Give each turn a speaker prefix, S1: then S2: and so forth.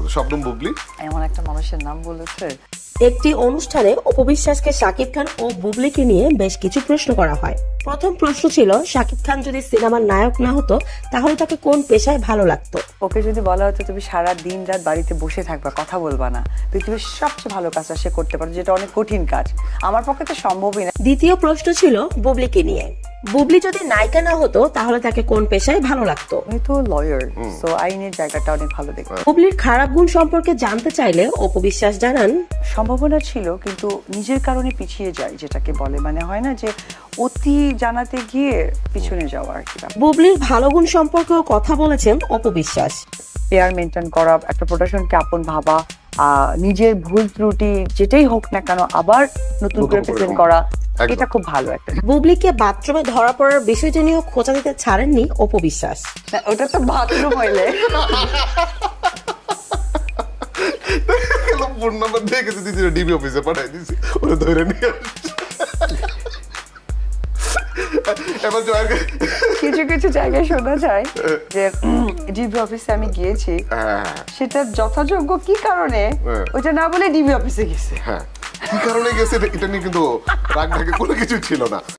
S1: শবনম বুবলি।
S2: এমন একটা মানুষের নাম বলেছে।
S3: একটি অনুষ্ঠানে অপু বিশ্বাসকে শাকিব খান ও বুবলিকে নিয়ে বেশ কিছু প্রশ্ন করা হয়। প্রথম প্রশ্ন ছিল, শাকিব খান যদি সিনেমার নায়ক না হতো তাহলে তাকে কোন পেশায় ভালো লাগতো।
S2: ওকে যদি বলা হতো তুমি সারা দিন রাত বাড়িতে বসে থাকবা, কথা বলবা না, পৃথিবীর সবচেয়ে ভালো কাজটা সে করতে পারে, যেটা অনেক কঠিন কাজ, আমার পক্ষে তো সম্ভবই না।
S3: দ্বিতীয় প্রশ্ন ছিল বুবলিকে নিয়ে, বুবলি যদি নায়িকা না হতো তাহলে তাকে কোন পেশায় ভালো লাগতো।
S2: আমি তো লয়ার, সো আইনের জায়গাটা অনেক ভালো দেখি।
S3: বুবলির খারাপ গুণ সম্পর্কে জানতে চাইলে অপু বিশ্বাস জানান,
S2: সম্ভাবনা ছিল কিন্তু নিজের কারণে পিছিয়ে যায়, যেটাকে বলে মানে হয় না যে অতি জানাতে গিয়ে পিছনে যাওয়া আর কি।
S3: বুবলির ভালো গুণ সম্পর্কেও কথা বলেছেন অপু বিশ্বাস।
S2: পেয়ার মেনটেন করা, একটা প্রোডাকশনকে আপন ভাবা, নিজের ভুল ত্রুটি যেটাই হোক না কেন আবার নতুন করে প্রেজেন্ট করা, এটা খুব ভালো একটা।
S3: বুবলিকে বাথরুমে ধরা পড়ার বিষয়টি নিয়েও খোঁচা দিতে ছাড়েননি অপু বিশ্বাস।
S2: ওটা তো বাথরুম হইলে
S1: ফোন নাম্বার দিয়ে গেছে দিদি, ডিবি অফিসে পাঠাই দিছি, ওরা ধরে নিয়ে এবার
S2: কিছু কিছু জায়গায় শোনা যায় যে ডিবি অফিসে আমি গিয়েছি, সেটা যথাযোগ্য কি কারণে ওইটা না বলে ডিবি অফিসে গেছে।
S1: হ্যাঁ, কি কারণে গেছে এটা নিয়ে কিন্তু রাগ ঢাকে কোনো কিছু ছিল না।